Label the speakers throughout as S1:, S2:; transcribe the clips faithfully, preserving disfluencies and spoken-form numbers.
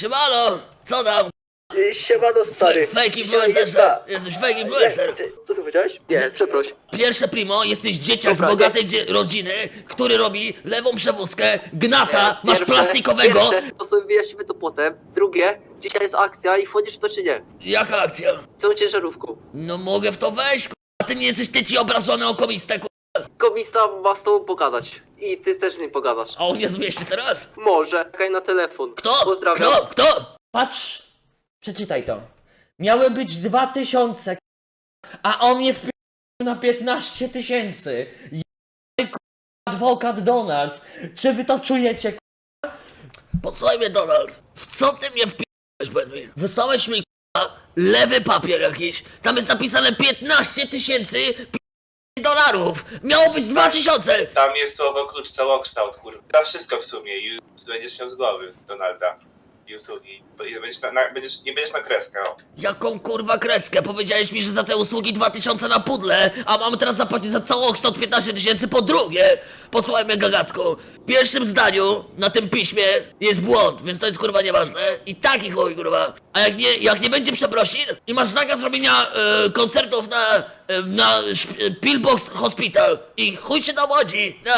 S1: Siemano, co tam?
S2: Siemano stary.
S1: Fake
S2: Dzisiaj
S1: influencer,
S2: jest ta-
S1: jesteś fake influencer.
S2: Nie, ty- Co ty powiedziałeś? Nie, przeproś.
S1: Pierwsze primo, jesteś dzieciak
S2: Dobra,
S1: z bogatej dzie- rodziny, który robi lewą przewózkę, gnata, masz
S2: Pierwsze-
S1: plastikowego.
S2: Pierwsze, to sobie wyjaśnimy to potem. Drugie, dzisiaj jest akcja i wchodzisz w to czy nie?
S1: Jaka akcja?
S2: Tą ciężarówką.
S1: No mogę w to wejść, a ty nie jesteś tyci obrażony okomistę, ku...
S2: Komista ma z tobą pogadać. I ty też z nim pogadasz.
S1: A on nie zmieści teraz?
S2: Może. Czekaj na telefon.
S1: Kto?
S2: Pozdrawiam.
S1: Kto? Kto?
S3: Patrz, przeczytaj to. Miały być dwa tysiące, a on mnie wpił na piętnaście tysięcy. Adwokat Donald, czy wy to czujecie?
S1: Posłuchaj mnie, Donald. W co ty mnie wpi***ałeś, powiedz mi? Wysłałeś mi, k***a, lewy papier jakiś. Tam jest napisane piętnaście tysięcy dolarów. Miało być dwa tysiące.
S4: Tam jest słowo klucz całokształt, kurwa. To wszystko w sumie, już będziesz miał z głowy Donalda i usługi. Bo nie Będziesz na, na, będziesz, nie będziesz na kreskę, o.
S1: Jaką kurwa kreskę? Powiedziałeś mi, że za te usługi dwa tysiące na pudle, a mam teraz zapłacić za całokształt piętnaście tysięcy po drugie. Posłuchaj mnie, gagacku. W pierwszym zdaniu na tym piśmie jest błąd, więc to jest kurwa nieważne. I taki chuj, kurwa. A jak nie, jak nie będzie przeprosin i masz zakaz robienia e, koncertów na, e, na szp- Pillbox Hospital i chuj się tam chodzi, no.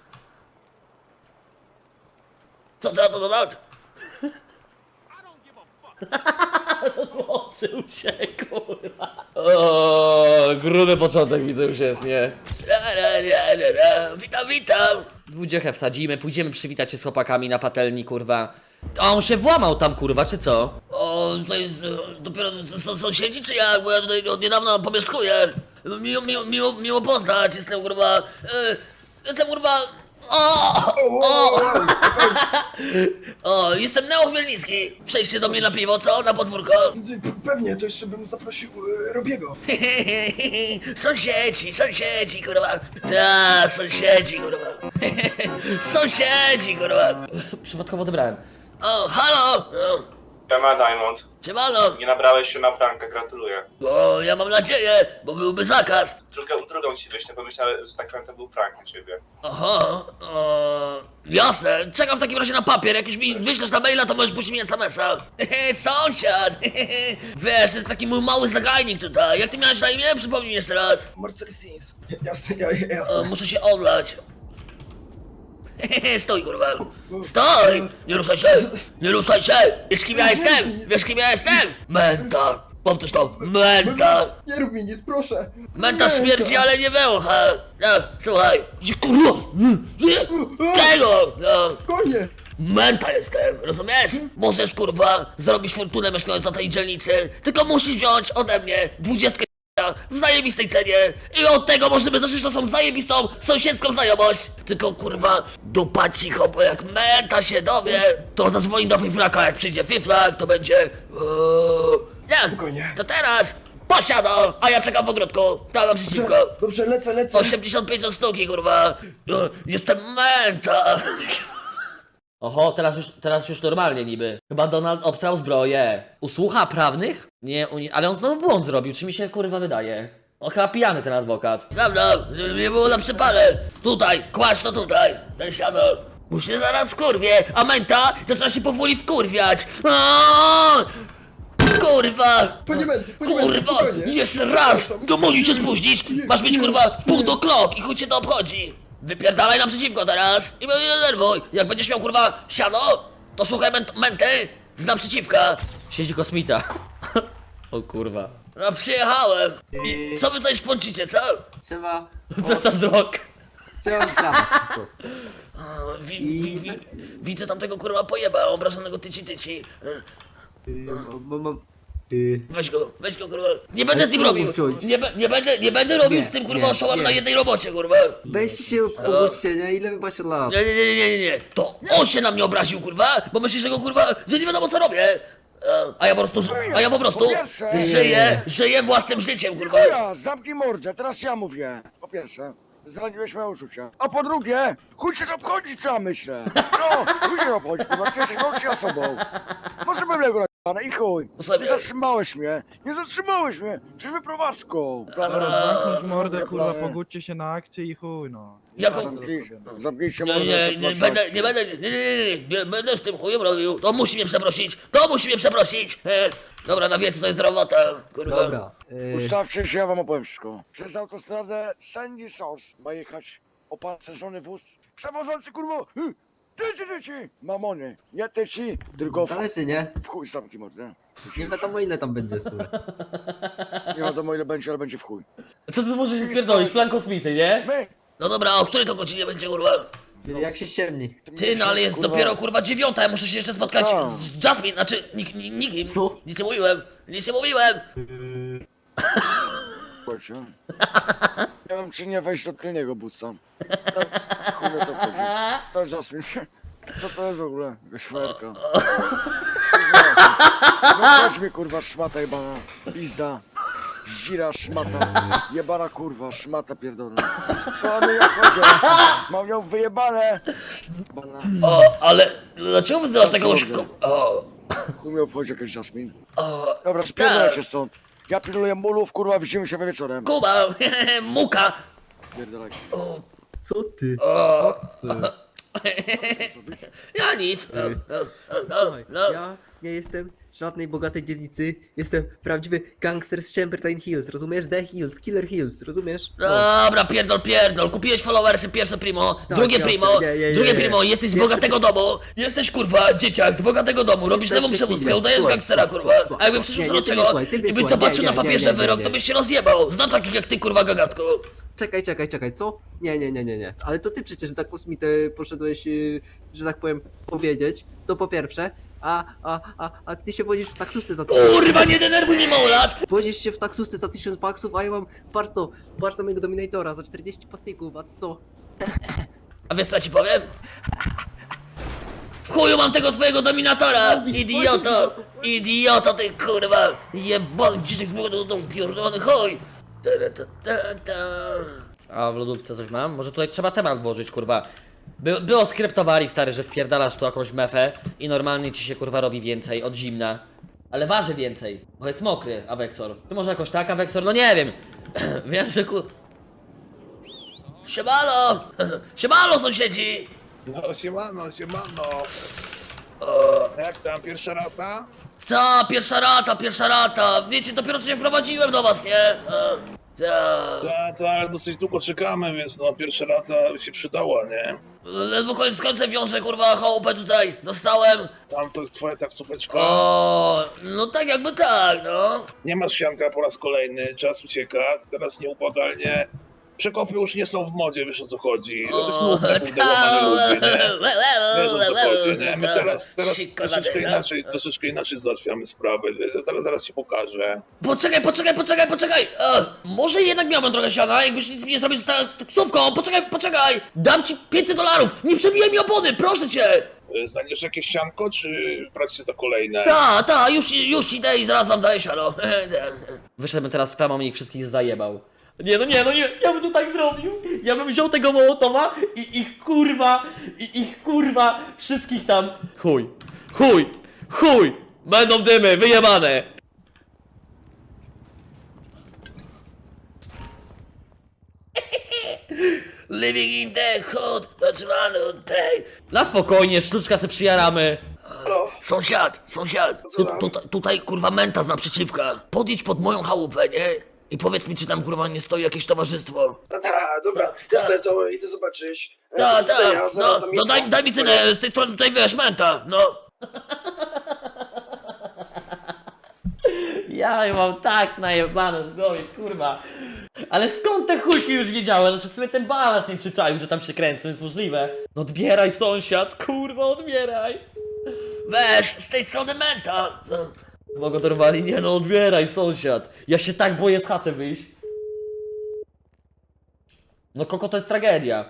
S1: Co ty na to, Donald?
S3: Rozłączył się, kurwa. O, gruby początek widzę już jest, nie?
S1: Ra, ra, ra, ra, ra. Witam, witam.
S3: Dwudziechę wsadzimy, pójdziemy przywitać się z chłopakami na patelni, kurwa. A on się włamał tam, kurwa, czy co?
S1: O, to jest e, dopiero s- s- sąsiedzi czy jak? Bo ja tutaj od niedawna pomieszkuję. Miło, miło, miło, miło poznać, jestem kurwa... E, jestem kurwa... O! O! O, jestem Neo Chmielnicki. Przejdźcie do mnie na piwo, co? Na podwórko?
S5: P- Pewnie, to jeszcze bym zaprosił e, Robiego.
S1: Sąsiedzi, sąsiedzi, kurwa. Ta, sąsiedzi, kurwa. Sąsiedzi, kurwa.
S3: Przypadkowo odebrałem.
S1: O, halo! O,
S4: Siema Diamond,
S1: siemano.
S4: nie nabrałeś się na prankę, gratuluję.
S1: O, ja mam nadzieję, bo byłby zakaz.
S4: Drugą, drugą ci wyślę, pomyślałem, że tak powiem, to był prank na ciebie.
S1: Aha, o, jasne. Czekam w takim razie na papier. Jak już mi wyślesz na maila, to możesz puścić mi es em es a. Hehe, sąsiad. Hehe. Wiesz, to jest taki mój mały zagajnik tutaj. Jak ty miałeś na imię? Przypomnij mi jeszcze raz.
S5: Marcel Sins. Jasne, ja,
S1: O,
S5: jasne.
S1: muszę się odlać. Hehe, stój, kurwa. Stój! Nie ruszaj się! Nie ruszaj się! Wiesz kim ja jestem? Wiesz kim ja jestem? Menta. Powtórz to. Menta.
S5: Nie rób mi nic, proszę.
S1: Menta śmierci, ale nie węcha. No, słuchaj. Kurwa. Nie. Tego. No.
S5: Konie!
S1: Menta jestem, rozumiesz? Możesz kurwa zrobić fortunę mieszkając na tej dzielnicy, tylko musisz wziąć ode mnie dwudziestkę w zajebistej cenie i od tego możemy zacząć naszą zajebistą sąsiedzką znajomość. Tylko kurwa dupa cicho, bo jak Menta się dowie, to zadzwoni do Fiflaka, jak przyjdzie Fiflak, to będzie... Uuu. Nie,
S5: Spokojnie.
S1: to teraz posiada, a ja czekam w ogródku, tam naprzeciwko.
S5: Dobrze, dobrze, lecę, lecę.
S1: osiemdziesiąt pięć od sztuki, kurwa. No, jestem Menta.
S3: Oho, teraz już, teraz już normalnie niby. Chyba Donald obstrał zbroję. Usłucha prawnych? Nie, uni- ale on znowu błąd zrobił, czy mi się kurwa wydaje? On chyba pijany ten adwokat.
S1: Dobra, żeby nie było na przypale. Tutaj, kładź to tutaj, ten siano. Muszę zaraz wkurwie, a Menta zaczyna się powoli wkurwiać. Aaaa! Kurwa!
S5: Panie Menty, panie Menty,
S1: Kurwa!
S5: spokojnie.
S1: Jeszcze raz!
S5: Przepraszam.
S1: Do mogli się spóźnić! Masz być kurwa w pół do klok i chuj cię to obchodzi! Wypierdalaj naprzeciwko teraz i mnie nie denerwuj! Jak będziesz miał kurwa siano, to słuchaj ment- Menty z naprzeciwka!
S3: Siedzi kosmita. O kurwa.
S1: No przyjechałem! I co wy tutaj szponcicie, co?
S6: Trzeba,
S3: Za wzrok.
S6: trzeba gadać po prostu.
S1: O, wi- wi- wi- widzę tamtego kurwa pojeba, obrażonego tyci tyci.
S6: Mam, mam, yy,
S1: Weź go, weź go kurwa. Nie będę
S6: Ale
S1: z nim
S6: co
S1: robił.
S6: mu wziąć?
S1: Nie, be- nie będę, nie będę robił
S6: Nie,
S1: z tym kurwa
S6: nie,
S1: oszołem
S6: nie.
S1: na jednej robocie, kurwa.
S6: weźcie się pobudźcie, nie? Ile wy macie lat?
S1: Nie, nie, nie, nie, nie, nie. To on się na mnie obraził, kurwa, bo myśli, że go kurwa, że nie wiadomo co robię. A- A ja po prostu, ży- a ja po prostu
S7: Po pierwsze-
S1: żyję, żyję własnym życiem, kurwa.
S7: Ja, zamknij mordę, teraz ja mówię. Po pierwsze, zraniłeś moje uczucia. A po drugie, chuj cię to obchodzi, co ja myślę. No, chuj cię to obchodzi, kurwa, ty jesteś mądrzej osobą. potrzebujemy go na i chuj.
S1: Posłuchaj
S7: Nie
S1: mnie.
S7: zatrzymałeś mnie, nie zatrzymałeś mnie, przed wyprowadzką.
S8: Dobra, zamknąć mordę, kurwa,
S7: Dobra, nie.
S8: pogódźcie się na akcję i chuj, no.
S1: Jaką-
S7: Zamknijcie, zamknijcie
S1: Nie,
S7: mordę,
S1: nie,
S7: sobie
S1: nie,
S7: masz
S1: będę,
S7: rację.
S1: nie będę, nie, nie, nie, nie, nie będę z tym chujem robił. To musi mnie przeprosić, to musi mnie przeprosić. E, dobra, na wiec to jest robota, kurwa.
S6: Dobra. y,
S7: Ustawcie się, ja wam opowiem wszystko. Przez autostradę Sandy Shores ma jechać opancerzony wóz. Przewożący kurwo! y, Tyci, tyci! Mamony, nie tyci, tylko w,
S6: Zależy, nie?
S7: w chuj zamki mordę.
S6: Nie wiadomo ile tam będzie w sumie.
S7: Nie wiadomo ile będzie, ale będzie w chuj.
S3: Co ty możesz się spierdolić? Plan kosmity, nie?
S7: My!
S1: No dobra, a o której to godzinie będzie, kurwa?
S6: Jak się ściemni.
S1: Ty, no ale jest
S7: Kurwa.
S1: dopiero kurwa dziewiąta, ja muszę się jeszcze spotkać
S7: Co?
S1: z Jasmine, znaczy nik, nik, nikim.
S6: Co?
S1: Nic nie mówiłem, nic nie mówiłem.
S7: Słuchajcie. Nie wiem czy nie wejść do tylnego buca. Tak, chuj mnie to chodzi. Stary Jasmine. Co to jest w ogóle? Szmerka. No chodź mi kurwa szmata jebana. Pizda. Zira szmata. Jebana kurwa, szmata pierdolona. To my jak chodzi. Mam ją wyjebane. Jebana.
S1: O, ale dlaczego wyzywasz jakąś
S7: kurde.
S1: ko- O,
S7: Chuj mnie obchodzi jakaś Jasmine.
S1: o,
S7: Dobra, spierdolajcie stąd. Ja pilnuję mulów, kurwa, widzimy się wieczorem.
S1: Kuba, muka.
S7: Spierdolajcie.
S1: O,
S6: Co ty?
S1: o,
S6: Ty.
S1: ja nic. No, no, no,
S6: Słuchaj,
S1: no.
S6: ja nie jestem z żadnej bogatej dzielnicy. Jestem prawdziwy gangster z Chamberlain Hills, rozumiesz? The Hills, Killer Hills, rozumiesz? No.
S1: Dobra, pierdol, pierdol. Kupiłeś followersy, pierwsze primo,
S6: Tak,
S1: drugie
S6: ja-
S1: primo,
S6: nie, nie, nie,
S1: drugie
S6: nie.
S1: primo, jesteś z
S6: Pierwsze
S1: bogatego domu, jesteś kurwa dzieciak z bogatego domu, robisz
S6: Słuchaj,
S1: lewą przewózkę,
S6: chwilę,
S1: udajesz
S6: słuchaj,
S1: gangstera,
S6: słuchaj,
S1: kurwa.
S6: słuchaj,
S1: A jakby
S6: słuchaj.
S1: przyszło
S6: Nie,
S1: do
S6: nie, ty
S1: czego
S6: mnie słuchaj, ty
S1: i
S6: mnie
S1: byś
S6: słuchaj.
S1: zobaczył
S6: Nie,
S1: na
S6: nie,
S1: papierze
S6: nie, nie,
S1: wyrok,
S6: nie.
S1: to byś się rozjebał. Znam takich jak ty, kurwa, gagatko.
S6: Czekaj, czekaj, czekaj, co? Nie, nie, nie, nie, nie. Ale to ty przecież tak kosmitę poszedłeś, yy, że tak powiem, powiedzieć. To po pierwsze. A, a, a, a ty się wodzisz w taksówce za tysiąc.
S1: Kurwa, nie denerwuj mnie, małolat.
S6: Wodzisz się w taksówce za tysiąc baksów, a ja mam, patrz co, patrz na mojego Dominatora za czterdzieści patyków, a ty co?
S1: A wiesz co ja ci powiem? W chuju mam tego twojego dominatora,
S6: Robisz, płacisz mi
S1: idioto,
S6: za to.
S1: idioto ty kurwa, jebany dzieciak z młodego domu, pierdolony chuj. Ta, ta, ta, ta.
S3: A w lodówce coś mam? Może tutaj trzeba temat włożyć, kurwa. By, było skryptowali, stary, że wpierdalasz tu jakąś mefę i normalnie ci się, kurwa, robi więcej od zimna. Ale waży więcej, bo jest mokry, Awexor. Czy może jakoś tak, Awexor? No nie wiem. Wiem, że ku...
S1: Siemano, siemano sąsiedzi.
S9: No siemano, siemano. Jak tam, pierwsza rata?
S1: Ta, pierwsza rata, pierwsza rata, wiecie, dopiero co się wprowadziłem do was, nie? A, Ta.
S9: Tak, tak, ale dosyć długo czekamy, więc no pierwsza rata się przydała, nie?
S1: Ledwo koniec z końcem wiążę, kurwa, chałupę tutaj, dostałem.
S9: Tam to jest twoja taksóweczka.
S1: O, no tak jakby tak, no.
S9: Nie masz sianka po raz kolejny, czas ucieka, teraz nieubłagalnie. Przekopy już nie są w modzie, wiesz o co chodzi. To jest nudne, kurde, łamanie ludzi, nie? Wiesz o co chodzi, nie? My teraz, teraz troszeczkę inaczej, troszeczkę inaczej załatwiamy sprawę, zaraz, zaraz ci pokażę.
S1: Poczekaj, poczekaj, poczekaj, poczekaj! E, może jednak miałbym trochę siana, jakbyś nic mi nie zrobił z, ta- z taksówką, poczekaj, poczekaj! Dam ci pięćset dolarów, nie przebijaj mi opony, proszę cię!
S9: Znajdziesz jakieś sianko, czy brać się za kolejne?
S1: Ta, ta, już, już idę i zaraz wam daję siano.
S3: Wyszedłbym teraz z klamą i ich wszystkich zajebał. Nie no nie, no nie, ja bym to tak zrobił. Ja bym wziął tego Mołotowa i ich kurwa, i ich kurwa, wszystkich tam. Chuj, chuj, chuj, będą dymy, wyjebane.
S1: Living in the hood, zatrzymany day.
S3: Na spokojnie, sztuczka se przyjaramy.
S1: Sąsiad, sąsiad, tu, tutaj, tutaj kurwa menta z naprzeciwka. Podjedź pod moją chałupę, nie? I powiedz mi, czy tam kurwa nie stoi jakieś towarzystwo.
S5: A, dobra, jasne, to idę zobaczyć.
S1: Ta,
S5: Do
S1: ta,
S5: widzenia,
S1: no,
S5: zaraz tam
S1: no daj,
S5: jestem.
S1: daj mi cynę, z tej strony tutaj wiesz, menta, no.
S3: Ja mam tak najebane w głowie, kurwa. Ale skąd te chujki już wiedziałem? Znaczy sobie ten balans nie przyczaił, że tam się kręcą, jest możliwe. No odbieraj sąsiad, kurwa, odbieraj.
S1: Weź, z tej strony menta. No.
S3: Mogą dorwali? Nie no, odbieraj sąsiad. Ja się tak boję z chaty wyjść. No Koko to jest tragedia.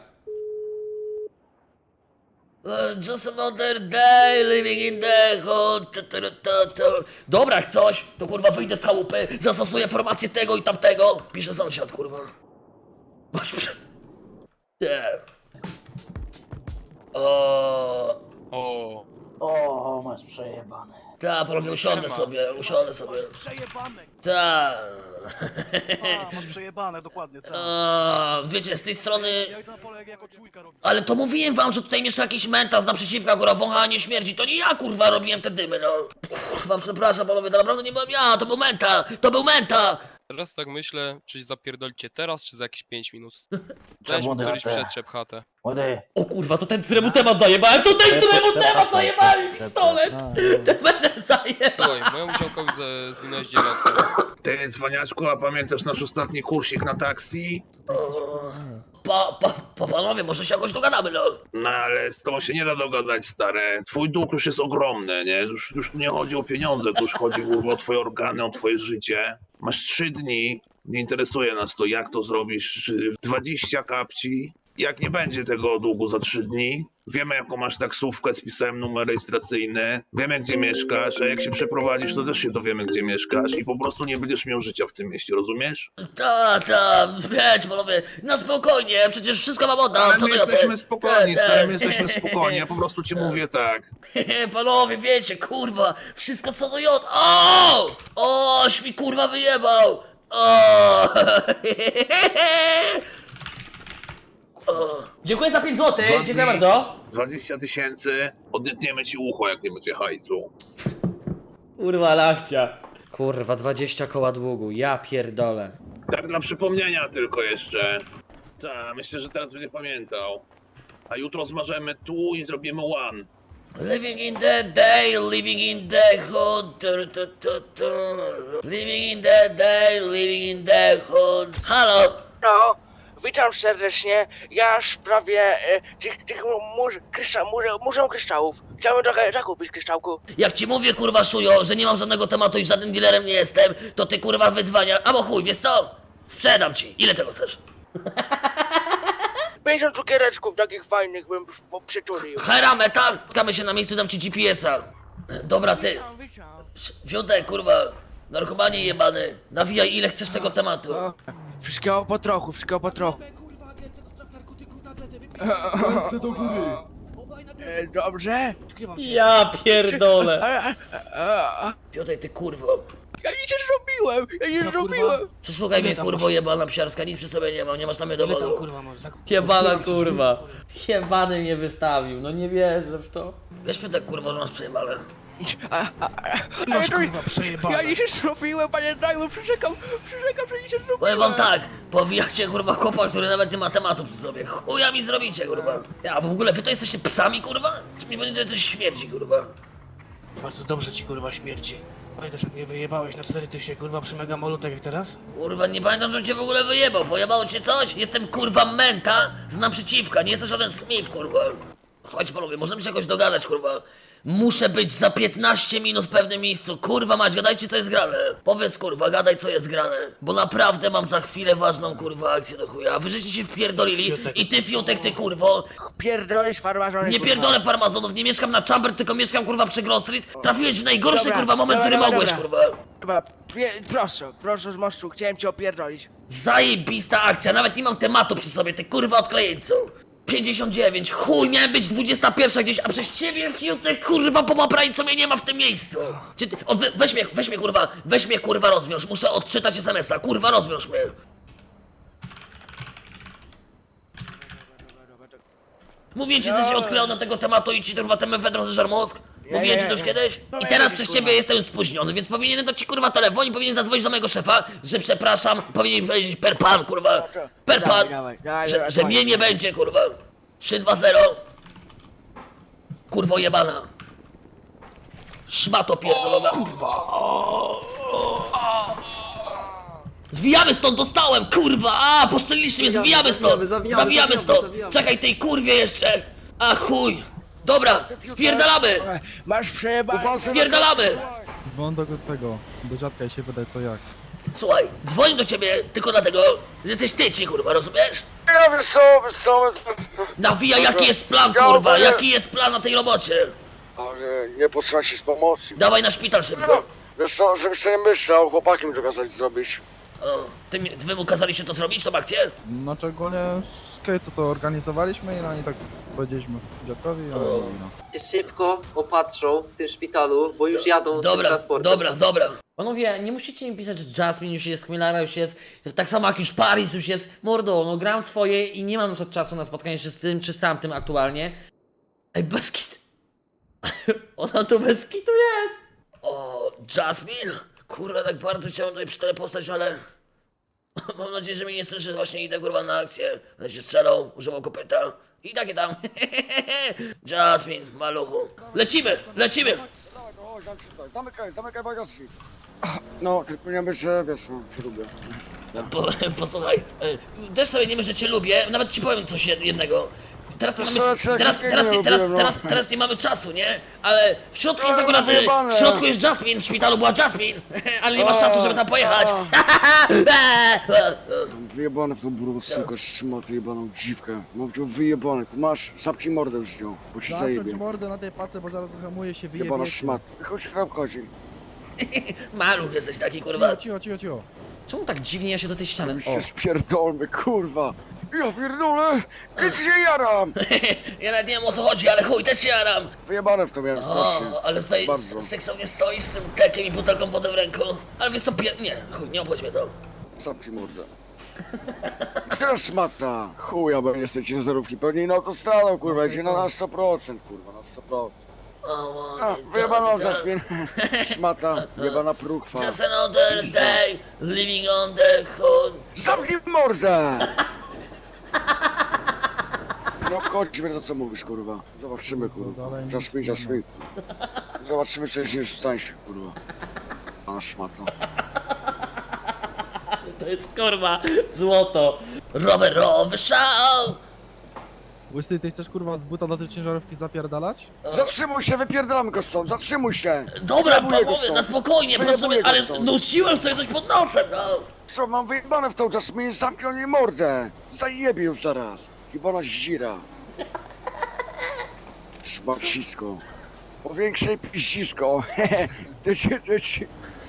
S1: Uh, just another day living in the hood. Ta, ta, ta, ta. Dobra, jak coś, to kurwa wyjdę z chałupy, zastosuję formację tego i tamtego. Pisze sąsiad, kurwa. Masz prze... Nie. O.
S10: O, O, masz przejebane.
S1: Ta, panowie, usiądę sobie, usiądę sobie.
S8: Przejebane!
S1: Ta.
S8: A, masz przejebane, dokładnie, tak.
S1: A, wiecie, z tej strony...
S8: Ja idę na pole jak jako czujka robię.
S1: Ale to mówiłem wam, że tutaj mieszka jakiś mentas naprzeciwka, kurwa, wąchanie śmierci. To nie ja, kurwa, robiłem te dymy, no. Kurwa, przepraszam, panowie, to naprawdę nie byłem ja, to był menta, to był menta.
S11: Teraz tak myślę, czy zapierdolicie teraz, czy za jakieś pięć minut.
S10: Trzeba
S11: Weź
S10: młody
S11: któryś
S10: na te.
S11: przetrzep chatę.
S10: Młody.
S3: O kurwa, to ten, któremu temat zajebałem, to ten, któremu temat zajebałem, pistolet! Ten będę zajebał!
S11: Słuchaj, mojemu działkowi ze- zwinąłeś dziewiątkę.
S9: Ty, Zwaniaczku, a pamiętasz nasz ostatni kursik na taksi?
S1: Pa, pa, pa, panowie, może się jakoś dogadamy, no.
S9: No ale z tobą się nie da dogadać, stare. Twój dług już jest ogromny, nie? Już, już tu nie chodzi o pieniądze, tu już chodzi kurwa, o twoje organy, o twoje życie. Masz trzy dni, nie interesuje nas to, jak to zrobisz, czy dwadzieścia kapci. Jak nie będzie tego długu za trzy dni, wiemy jaką masz taksówkę, spisałem numer rejestracyjny, wiemy gdzie mieszkasz, a jak się przeprowadzisz, to też się dowiemy gdzie mieszkasz i po prostu nie będziesz miał życia w tym mieście, rozumiesz?
S1: Ta, ta, wiecie, panowie, na spokojnie, przecież wszystko wam oddam,
S9: Ale
S1: co
S9: my
S1: to ja te-
S9: jesteśmy spokojni,
S1: te-
S9: stary, my jesteśmy spokojni, ja po prostu ci mówię tak.
S1: Panowie, wiecie, kurwa, wszystko co do jod. O! Oś mi kurwa wyjebał! O! O!
S3: Dziękuję za pięć złotych, dziękuję bardzo.
S9: dwadzieścia tysięcy, odetniemy ci ucho, jak nie będzie hajsu.
S3: Kurwa, ale akcja. Kurwa, dwadzieścia koła długu, ja pierdolę.
S9: Tak dla przypomnienia tylko jeszcze. Tak, myślę, że teraz będzie pamiętał. A jutro zmarzemy tu i zrobimy one.
S1: Living in the day, living in the hood. Tu, tu, tu, tu. Living in the day, living in the hood. Halo!
S5: No, witam serdecznie. Ja w sprawie e, tych, tych mur, kryształ, mur, muzeum kryształów. Chciałbym trochę zakupić kryształku.
S1: Jak ci mówię, kurwa, szujo, że nie mam żadnego tematu i żadnym dealerem nie jestem, to ty, kurwa, wyzwania. Albo chuj, wiesz co? Sprzedam ci. Ile tego chcesz?
S5: pięćdziesiąt cukiereczków takich fajnych bym po- przyczulił.
S1: Hera, metal! Kamy się na miejscu, dam ci G P S a. Dobra, ty.
S5: Witam, witam.
S1: Fiutek, kurwa. Narkomanie jebany. Nawijaj, ile chcesz tego tematu.
S5: Wszystkiego po trochu, wszystkiego po trochu. E, Dobrze?
S3: Ja pierdolę.
S5: A, a, a, a.
S1: Fiutek, ty kurwo.
S5: Ja nic nie zrobiłem, ja nic nie zrobiłem.
S1: Przesłuchaj mnie, kurwo, jebana psiarska, nic przy sobie nie mam, nie masz na mnie dowodu.
S3: Jebana kurwa. Jebany mnie wystawił, no nie wierzę w to.
S1: Wiesz, Fiutek, kurwo, że masz przejebane.
S5: A, a, a,
S8: masz,
S5: ja to-
S8: kurwa, przejebane.
S5: Ja nic nie zrobiłem, panie Dajmu, przyrzekam, przyrzekam, że nic nie zrobiłem.
S1: Powiem wam tak, powijacie, kurwa, chłopak, który nawet nie ma tematu przy sobie. Chuja mi zrobicie, kurwa. Ja, w ogóle wy to jesteście psami, kurwa? Czy mi będzie coś śmierdzi, kurwa?
S10: Bardzo dobrze ci kurwa śmierci. Pamiętasz jak mnie wyjebałeś na cztery tysiące kurwa przy Megamolu tak jak teraz?
S1: Kurwa, nie pamiętam, że cię w ogóle wyjebał. Pojebało cię coś? Jestem, kurwa, menta z naprzeciwka, nie jestem żaden Smith, kurwa. Słuchajcie, panowie, możemy się jakoś dogadać, kurwa. Muszę być za piętnaście minut w pewnym miejscu. Kurwa mać, gadajcie co jest grane. Powiedz, kurwa, gadaj co jest grane. Bo naprawdę mam za chwilę ważną, kurwa, akcję do chuja. Wy żeście się wpierdolili
S10: Fiutek.
S1: i ty, Fiutek, ty, kurwo.
S5: Pierdolisz farmazony,
S1: Nie
S5: kurwa.
S1: pierdolę farmazonów, nie mieszkam na Chamber, tylko mieszkam, kurwa, przy Grove Street. Trafiłeś w najgorszy,
S5: Dobra,
S1: kurwa, moment,
S5: dobra,
S1: który
S5: dobra,
S1: mogłeś,
S5: dobra.
S1: kurwa.
S5: Chyba, pie- proszę, proszę z mostu, chciałem cię opierdolić.
S1: Zajebista akcja, nawet nie mam tematu przy sobie, ty kurwa odklejeńcu. pięćdziesiąt dziewięć, chuj, miałem być dwudziesta pierwsza gdzieś, a przez ciebie, Fiutek, kurwa, po co mnie nie ma w tym miejscu. Czy ty, o, we, weź mnie, weź mnie, kurwa, weź mnie, kurwa, rozwiąż, muszę odczytać es em es a, kurwa, rozwiąż mnie. Mówię ci, że się odklejał na tego tematu i ci, kurwa, ten mefedron zeżar mózg. Mówiłem ci to już kiedyś? I teraz przez ciebie jestem spóźniony, więc powinienem dać ci, kurwa, telefon i powinien zadzwonić do mojego szefa, że przepraszam, powinien powiedzieć per pan, kurwa, per pan,
S5: Dawaj, dawaj, dawaj,
S1: że,
S5: dawaj,
S1: że
S5: dawaj.
S1: mnie nie będzie, kurwa. trzy dwa zero. Kurwo jebana. Szmato pierdolona. Kurwa. Zwijamy stąd, dostałem, kurwa! A, poszczeliliście mnie,
S6: Zawijamy,
S1: zwijamy stąd!
S6: zawijamy, zawijamy,
S1: stąd!
S6: zawijamy.
S1: Czekaj, tej kurwie jeszcze! A chuj! Dobra, spierdalamy!
S5: Masz przejebane.
S1: Spierdalamy!
S8: Dzwon do tego, do dziadka i się wydaje co jak.
S1: Słuchaj, dzwonię do ciebie tylko dlatego, że jesteś tyci, kurwa, rozumiesz?
S5: Ja wiesz co, wiesz co, wiesz co.
S1: Nawijaj, jaki jest plan, kurwa, jaki jest plan na tej robocie?
S7: Ale nie posłuchaj się z pomocy.
S1: Dawaj na szpital szybko.
S7: Wiesz co, żebyś sobie nie myślał, chłopaki mi to kazali zrobić.
S1: O, ty, mi- wy mu kazaliście to zrobić, tą akcję?
S8: Znaczy ogólnie wszystko to, to organizowaliśmy i no i tak powiedzieliśmy dziadkowi, no i no.
S2: Się szybko opatrzą w tym szpitalu, bo już jadą z tym
S1: Dobra,
S2: transportem.
S1: dobra, dobra.
S3: Panowie, nie musicie mi pisać, że Jasmine już jest, Chmielara już jest, tak samo jak już Paris już jest. Mordo, no gram swoje i nie mam na przykład czasu na spotkanie się z tym czy z tamtym aktualnie. Ej, bez kit... Ona tu bez kitu jest!
S1: O, Jasmine? Kurwa, tak bardzo chciałem tutaj przytelepostać, ale... Mam nadzieję, że mnie nie słyszy, właśnie idę kurwa na akcję. Będę się strzelał, używał kopyta. I takie tam. Jasmine, maluchu. Lecimy, lecimy!
S7: Dawaj, to chodź, zamknij, zamykaj, zamykaj bagażnik. No, tylko nie być, że wiesz, no, się lubię.
S1: Po, posłuchaj, e, też sobie nie myślę, że cię lubię, nawet ci powiem coś jed- jednego. Teraz nie mamy,
S7: Proszę,
S1: teraz,
S7: czekaj,
S1: teraz,
S7: nie
S1: nie, teraz,
S7: lubię, no.
S1: teraz, teraz nie mamy czasu, nie? Ale w środku jest
S7: Ale
S1: akurat, e,
S7: wyjebane.
S1: w środku jest Jasmine, w szpitalu była Jasmine, ale nie masz czasu, żeby tam pojechać.
S7: Mam wyjebane w tą burą sukę, szmatę jebaną dziwkę. Mam wziął wyjebane, masz, zapci mordę już z nią, bo ci
S8: Zamknąć
S7: zajebie.
S8: mordę na tej pace, bo zaraz zahamuje się,
S7: Jebana
S8: wyjebie.
S7: szmat. Chodź, tam chodzi.
S1: Maluch jesteś taki, kurwa.
S8: Cicho, cicho, cicho, cicho.
S3: Czemu tak dziwnie ja się do tej ściany...
S7: My
S3: O,
S7: się spierdolmy, kurwa. Ja pierdolę, kiedy się jaram.
S1: Ja nawet nie wiem o co chodzi, ale chuj, też się jaram.
S7: Wyjebane w to miałem strasznie.
S1: O, ale tutaj
S7: Bardzo.
S1: s- seksownie stoisz z tym tekiem i butelką wody w ręku. Ale wiesz co, pie... nie, chuj, nie obchodź mnie to.
S7: Zapci mordę. Gdzie szmata? Chuja, bo nie jesteś ciężarówki, pewnie na autostradą, kurwa, idzie na, na sto procent, kurwa, na sto procent.
S1: O,
S7: A, wyjebana mam Jasmine. Szmata, wyjebana próchwa.
S1: Just another day, living on the hood.
S7: Zamknij mordę! No chodźmy to co mówisz, kurwa. Zobaczymy, kurwa. Jasmine, Jasmine. Zobaczymy, czy się już stań się, kurwa. A szmato.
S3: to jest kurwa złoto.
S1: Rowerowy szał!
S8: Łysy, ty chcesz kurwa z buta do tej ciężarówki zapierdalać?
S7: Zatrzymuj się, wypierdalamy go stąd, zatrzymuj się!
S1: Dobra,
S7: Wyjebuję go
S1: panowie,
S7: stąd.
S1: na spokojnie, po prostu,
S7: Wyjebuję go
S1: ale
S7: stąd.
S1: nosiłem sobie coś pod nosem, no.
S7: Co, mam wyjebane w tą Jasmine, zamknij jej mordę! Zajebie ją zaraz! Chyba na zdzira. Szmacisko. Powiększej piździsko. Hehe. Ty ci, ty ci.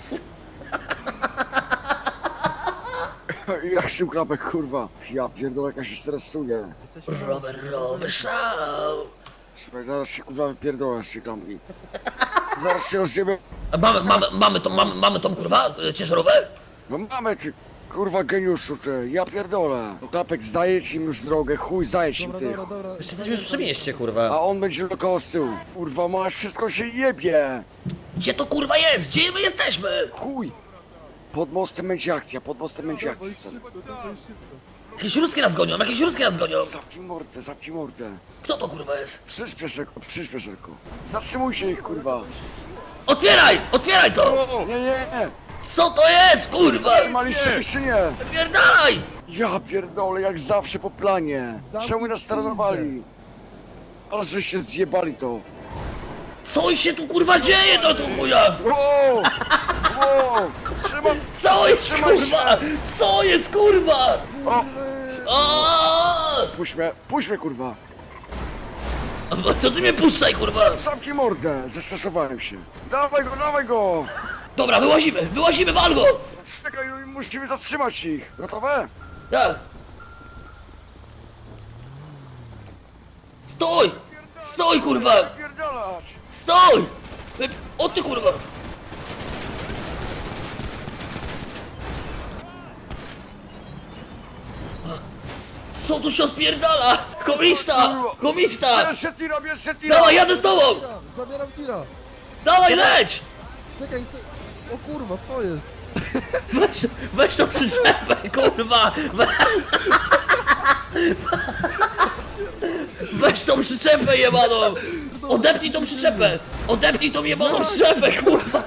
S7: Jak się klapek, kurwa. Ja pierdolę, jak ja się stresuje.
S1: Rowerowy szał!
S7: Słuchaj, zaraz się kurwa wypierdolę z tej klamki. Zaraz się rozjebę.
S1: A Mamy, mamy, mamy tą, mamy, mamy tą, kurwa, e, ciężarówkę?
S7: No mamy ty, kurwa geniuszu ty, ja pierdolę. No klapek zajedź im już drogę, chuj zajedź im
S8: Dobra,
S7: ty.
S8: dobra, dobra.
S3: Jeszcze jesteśmy już przy mieście,
S7: A
S3: kurwa.
S7: on będzie dookoła z tyłu. Kurwa masz, wszystko się jebie.
S1: Gdzie to kurwa jest? Gdzie my jesteśmy?
S7: Chuj. Pod mostem będzie akcja, pod mostem będzie akcja. stary.
S1: Jakieś ruskie nas gonią, jakieś ruskie nas gonią.
S7: Zapci mordę, zapci mordę.
S1: Kto to kurwa jest?
S7: Przyspiesz szybko, przyspiesz szybko. Zatrzymujcie ich, kurwa.
S1: Otwieraj! Otwieraj to!
S7: Nie, nie, nie.
S1: Co to jest, kurwa?
S7: Zatrzymaliście się czy nie?
S1: Pierdalaj!
S7: Ja pierdolę, jak zawsze po planie. Czemu nas taranowali? Ale że się zjebali to.
S1: Co się tu kurwa dzieje do tu chuja?
S7: Wow! Wow! Trzymam!
S1: Co jest
S7: Zatrzymaj się!
S1: kurwa? Co jest kurwa?
S7: O!
S1: O!
S7: Puść mnie, puść mnie, kurwa!
S1: To ty mnie puszczaj kurwa!
S7: Zamknij mordę! Zestresowałem się. Dawaj go, dawaj go!
S1: Dobra, wyłazimy, wyłazimy, wal go!
S7: Czekaj, musimy zatrzymać ich. Gotowe?
S1: Tak. Stój! Stój kurwa!
S7: Pierdalać!
S1: Stój! Wy- O ty kurwa! Co tu się odpierdala? Komista! Komista!
S7: Bierz się tira, bierz się tira!
S1: Dawaj, jadę z tobą!
S8: Zabieram tira.
S1: Dawaj, leć!
S8: Czekaj, ty... O kurwa, co jest?
S1: Weź, weź tą przyczepę, kurwa! We... Weź tą przyczepę jebaną! Odepnij tą przyczepę! Odepnij tą jebaną przyczepę, kurwa!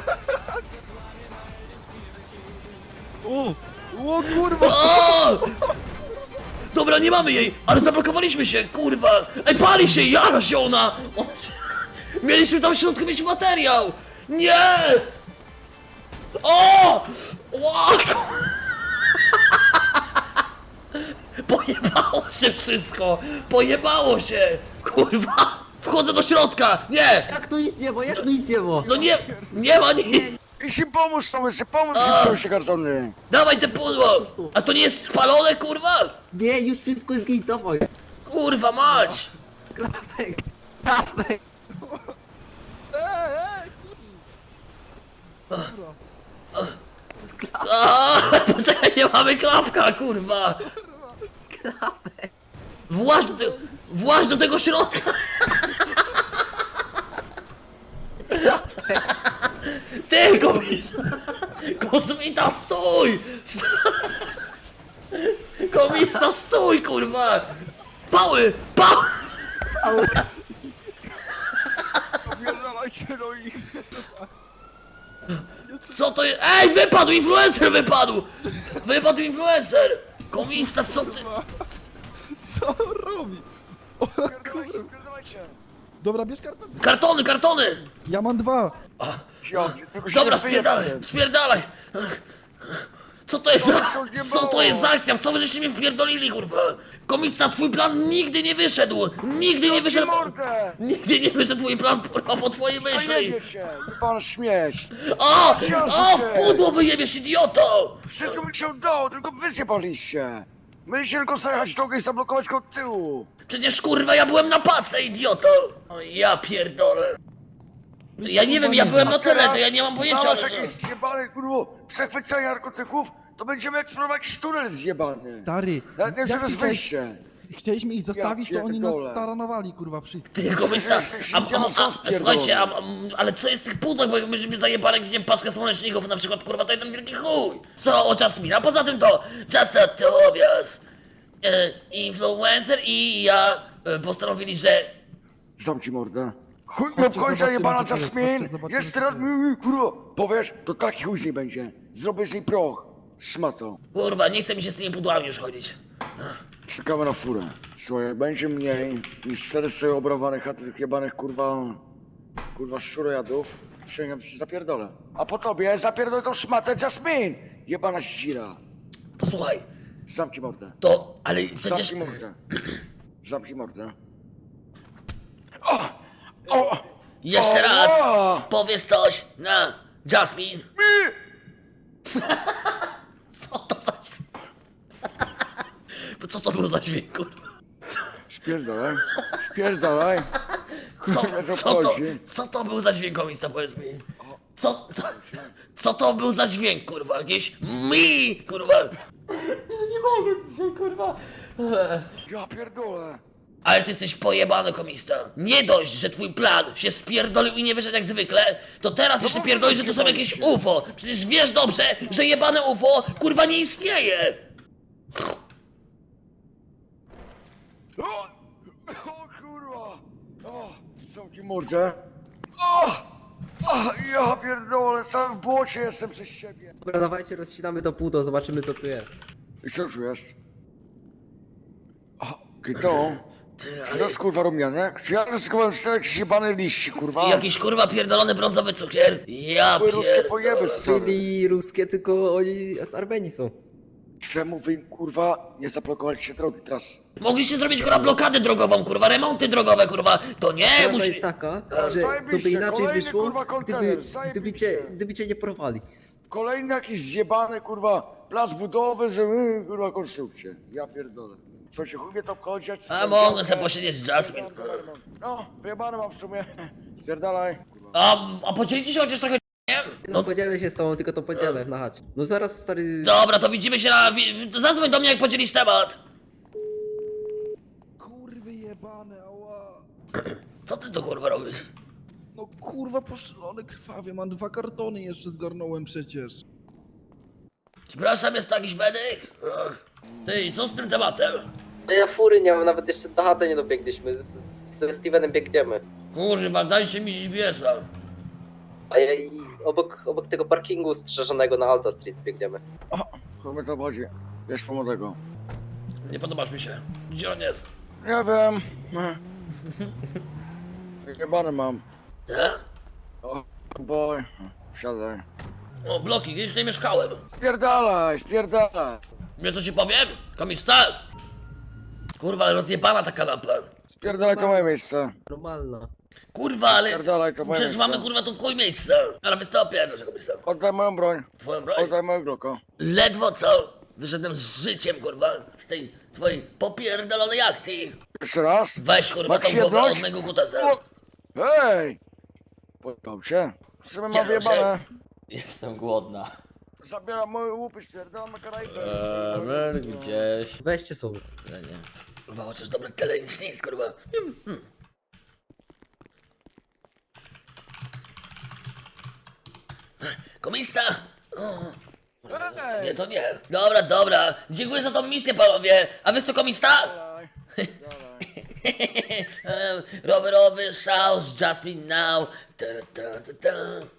S8: O! O kurwa!
S1: O! Dobra, nie mamy jej, ale zablokowaliśmy się, kurwa! Ej, pali się, jara się ona! O, mieliśmy tam w środku mieć materiał! Nie! O! Ła, ku- Pojebało się wszystko! Pojebało się! Kurwa! Wchodzę do środka! Nie!
S6: Jak to nic nie ma, jak to nic nie ma?
S1: No nie! Nie ma nic!
S7: Idź im pomóż, Tomysy, pomóż
S1: A.
S7: im przejąć te kartony.
S1: Dawaj te pudło! A to nie jest spalone, kurwa?
S6: Nie, już wszystko jest git, dawaj.
S1: Kurwa mać!
S6: Klapek, klapek.
S1: A, poczekaj, nie mamy klapka, kurwa!
S6: Klapek.
S1: Właź do, te, właź do tego środka! Ty, komisa! Kosmita, stój! Komisa, stój, kurwa! Pały! Pały!
S7: Opierdalajcie, no i...
S1: Co to jest? Ej, wypadł! Influencer wypadł! Wypadł influencer! Komisa, co ty?
S8: Co on robi? O,
S7: Spierdalajcie, spierdalajcie.
S8: dobra, bierz kartę.
S1: Kartony, kartony!
S8: Ja mam dwa.
S7: Ja, tylko się
S1: Dobra,
S7: nie
S1: spierdalaj,
S7: wyjebcie.
S1: spierdalaj! Co to jest za...
S7: się odjebało?
S1: Co to jest za akcja? W co wy żeście mnie wpierdolili, kurwa? Komista, twój plan nigdy nie wyszedł! Nigdy nie wyszedł...
S7: mordę!
S1: Nigdy nie wyszedł twój plan, kurwa, po twojej myśli!
S7: Zajebie się, pan śmieć.
S1: O!
S7: Ciąży
S1: O!
S7: się.
S1: W pudło wyjebiesz, idioto!
S7: Wszystko mi się udało, tylko wy zjebaliście. Mieliście tylko zajechać drogę i zablokować go od tyłu.
S1: Przecież, kurwa, ja byłem na pace, idioto! O, ja pierdolę. Ja nie wiem, ja byłem na tyle, to ja nie mam pojęcia.
S7: Zobacz
S1: ale-
S7: jakieś zjebane, kurwa, przechwycenie narkotyków, to będziemy eksplorować jakiś tunel zjebany.
S8: Stary,
S7: Nawet nie wiem,
S8: jak
S7: czy to jest
S8: chciałeś-
S7: wyjście.
S8: Chcieliśmy ich zostawić, to oni nas
S7: pierdolę.
S8: staranowali, kurwa, wszyscy.
S1: Ty, komista, a, a, a, a, słuchajcie, a, a, ale co jest w tych pudłach, bo jak myśmy zajebali gdzieś paczkę słoneczników, na przykład, kurwa, to jeden wielki chuj. Co o Jasmina? Poza tym to Jasatowias, e, influencer i ja e, postanowili, że...
S7: Zamknij mordę. Chuj
S8: Chodźcie,
S7: nie obkończa
S8: zobaczymy,
S7: jebana
S8: co to jest,
S7: Jasmine!
S8: chodźcie, zobaczymy,
S7: Jeszcze
S8: co
S7: raz
S8: to
S7: mi, kurwa, powiesz, to taki chuj z niej będzie. Zrobię z niej proch. Szmato.
S1: Kurwa, nie chce mi się z tymi pudłami już chodzić.
S7: Czekamy na furę. Słuchaj, będzie mniej niż cztery sobie obrowane chaty tych jebanych, kurwa, kurwa, szczurojadów. Przyjmę się zapierdolę. A po tobie zapierdolę tą szmatę Jasmine! Jebana ścira.
S1: Posłuchaj,
S7: Zamknij mordę.
S1: to, ale przecież...
S7: Zamknij mordę. Zamknij mordę. O! O!
S1: Jeszcze
S7: O!
S1: raz
S7: O!
S1: powiesz coś na Jasmine. Co to za dźwięk? Co to był za dźwięk, kurwa?
S7: Spierdolaj. Spierdolaj.
S1: Co,
S7: Kurwa, to
S1: co, to,
S7: chodzi.
S1: co to był za dźwięk, komista, powiedz mi? Co, co, co to był za dźwięk, kurwa? Jakieś mi, kurwa? Nie mogę dzisiaj, kurwa.
S7: Ja pierdolę.
S1: Ale ty jesteś pojebany, komista. Nie dość, że twój plan się spierdolił i nie wyszedł jak zwykle, to teraz jeszcze
S7: bo
S1: pierdolisz, że
S7: wy
S1: to są
S7: się
S1: jakieś
S7: boicie.
S1: U F O. Przecież wiesz dobrze, że jebane U F O, kurwa, nie istnieje.
S7: O! O kurwa! O! Zamknij mordę. O! O! Ja pierdolę, cały w błocie jestem przez siebie.
S6: Dobra, dawajcie, rozcinamy to pudło, zobaczymy co tu jest.
S7: I co tu jest? O, Kito?
S1: Ty,
S7: Czy to
S1: ale...
S7: jest kurwa rumianek? Czy ja ryzykowałem czterech jebane liści, kurwa?
S1: Jakiś kurwa pierdolony brązowy cukier? Ja
S7: Były ruskie pojeby,
S1: pierdolę.
S7: stary.
S6: Czyli ruskie, tylko oni z Armenii są.
S7: Czemu wy, kurwa, nie zablokowaliście drogi teraz?
S1: Mogliście zrobić kurwa blokadę drogową, kurwa, remonty drogowe, kurwa. To nie,
S6: Prawda
S1: musi...
S6: jest taka, że to by
S7: zajebiście,
S6: inaczej
S7: kolejny,
S6: wyszło,
S7: kurwa,
S6: gdyby,
S7: kontener,
S6: gdyby, cię,
S7: zajebiście.
S6: gdyby cię nie porwali.
S7: Kolejny jakiś zjebany, kurwa, plac budowy, że my, kurwa, konstrukcję. Ja pierdolę. Co się chuj mnie to obchodzi? ja ci
S1: A
S7: tam
S1: mogę
S7: działkę-
S1: sobie posiedzieć z Jasmine.
S7: No, wyjebane mam w sumie. Spierdalaj.
S1: A, a podzielicie się chociaż trochę, nie?
S6: No podzielę się z tobą, tylko to podzielę na chacie. No zaraz stary...
S1: Dobra, to widzimy się na... wi- to Zadzwoń do mnie, jak podzielisz temat.
S8: Kurwy jebane, ała.
S1: Co ty to kurwa robisz?
S8: No kurwa, poszalony krwawie, mam dwa kartony jeszcze zgarnąłem przecież.
S1: Przepraszam, jest tu jakiś medyk? Ach. Ty, i co z tym tematem?
S2: Ja fury nie mam, nawet jeszcze na chatę nie dobiegliśmy. Z, ze Stevenem biegniemy.
S1: Kurwa, dajcie mi G P S-a.
S2: A ja i obok, obok tego parkingu strzeżonego na Alta Street biegniemy.
S7: Chuj mnie to obchodzi. Wiesz, pomogę go.
S1: Nie podobasz mi się. Gdzie on jest?
S7: Nie wiem. Jebany mam.
S1: Tak?
S7: O, boy. Wsiadaj.
S1: O, bloki, gdzieś tutaj mieszkałem.
S7: Spierdalaj, spierdalaj.
S1: Wiesz co ci powiem? Komista? Kurwa, ale rozjebana ta kanapa.
S7: Spierdalaj to moje miejsce.
S6: Normalna.
S1: Kurwa, ale
S7: Pierdolaj, to moje
S1: przecież
S7: miejsce.
S1: mamy kurwa tu w chuj miejsca. Ale wiesz co, pierdol się komisarz.
S7: Oddaj moją broń.
S1: Twoją broń?
S7: Oddaj moją gloko.
S1: Ledwo co? Wyszedłem z życiem, kurwa, z tej twojej popierdolonej akcji.
S7: Jeszcze raz.
S1: Weź kurwa
S7: Masz
S1: tą głowę
S7: jedność?
S1: od mojego kutasa.
S7: O! Hej! Podał się. Co my mam
S1: Kieruj się.
S7: wyjebane?
S3: Jestem głodna.
S7: Zabieram moje łupy, stwierdzam na Karaibę.
S3: Eee, gdzieś.
S6: Weźcie sobie.
S3: Ja nie.
S1: Kurwa, chociaż dobre tyle niż nic, kurwa. Mm, mm. Komista! O, nie, to nie. Dobra, dobra. Dziękuję za tą misję, panowie. A wy co, komista?
S7: Dalej.
S1: Em, Rowerowy szał z Jasmine Now. Ta, ta, ta, ta.